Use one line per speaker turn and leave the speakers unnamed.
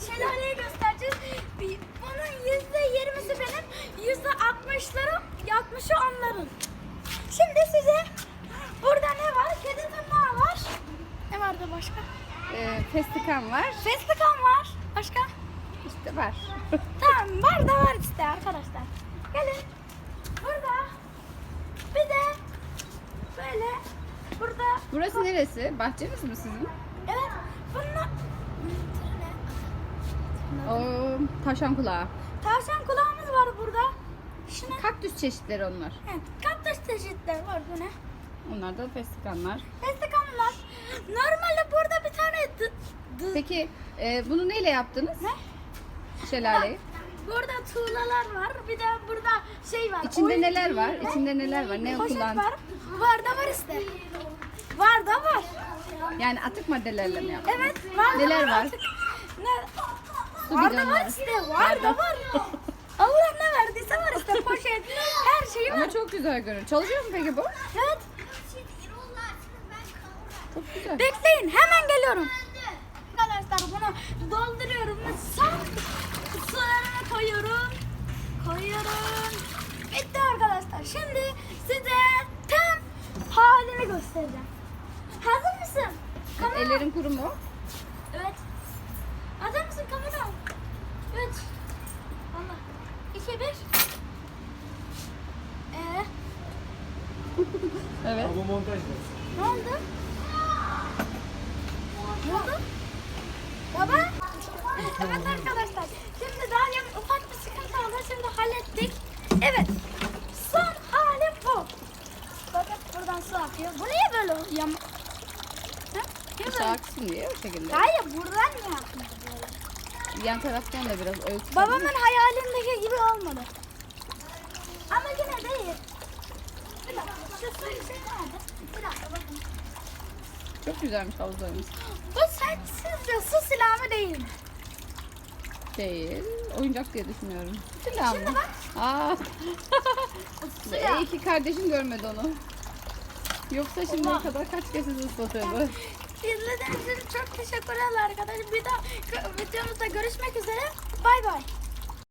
şelaleyi göstereceğiz. Bunun %20'si benim, %60'ı onların. Şimdi size burada ne var? Kedi tırnağı var. Ne vardı başka?
Festikan var.
Festikan var. Başka?
İşte var.
Tamam, var da var işte arkadaşlar. Gelin. Burada bir de böyle burada.
Burası neresi? Bahçeniz mi sizin?
Evet. Bunlar
O tavşan kulağı.
tavşan kulağımız var burada. Şuna.
Kaktüs çeşitleri onlar.
Evet, kaktüs çeşitleri var bu ne?
Onlar da festikanlar.
Festikanlar. Normalde burada bir tane
Peki bunu neyle yaptınız?
Ne?
Şelaleyi.
Burada tuğlalar var. Bir de burada şey var.
İçinde neler var? İçinde neler var? Ne
Poşet
kullan?
var. Var da var işte. Var da var.
Yani atık maddelerle mi yaptınız?
Evet, var da
Neler var?
Ne?
Su
Var da var
bidonları.
işte. Var da var. Allah ne verdiyse var işte. Poşet. Her şey var.
Ama çok güzel görünüyor. Çalışıyor mu peki bu?
Evet.
Çok güzel.
Bekleyin, hemen geliyorum. Arkadaşlar bunu dolduruyorum. Son sularına koyuyorum. Bitti arkadaşlar. Şimdi size tam halini göstereceğim. Hazır mısın? Kamera.
Ellerin kuru mu?
Evet. Hazır mısın kamera? 3 Allah 2 1
Evet.
Bu montaj
Ne oldu? Ne oldu? Baba? Evet arkadaşlar. Şimdi daha yeni ufak bir sıkıntı oldu. Şimdi hallettik. Evet. Son halim bu. Bakın buradan su akıyor. Bu niye böyle yam... Ha? Niye
Su
böyle?
aksın diye o şekilde.
Hayır buradan niye akmıyor böyle?
Yan taraftan da biraz ölçü.
Babamın hayalimdeki gibi olmadı. Ama yine değil. Bir dakika. Şu su şey nerede? Bir dakika bakın.
Çok güzelmiş havuzlarımız.
Bu sizce su silahı mı değil mi?
Değil. Oyuncak diye düşünüyorum. Silah mı?
Şimdi bak.
Aa.
Silah.
İyi ki kardeşin görmedi onu. Yoksa şimdiye
Allah.
kadar kaç kez ıslatırdı.
İzlediğiniz için çok teşekkürler arkadaşlar. Bir daha videomuzda görüşmek üzere. Bay bay.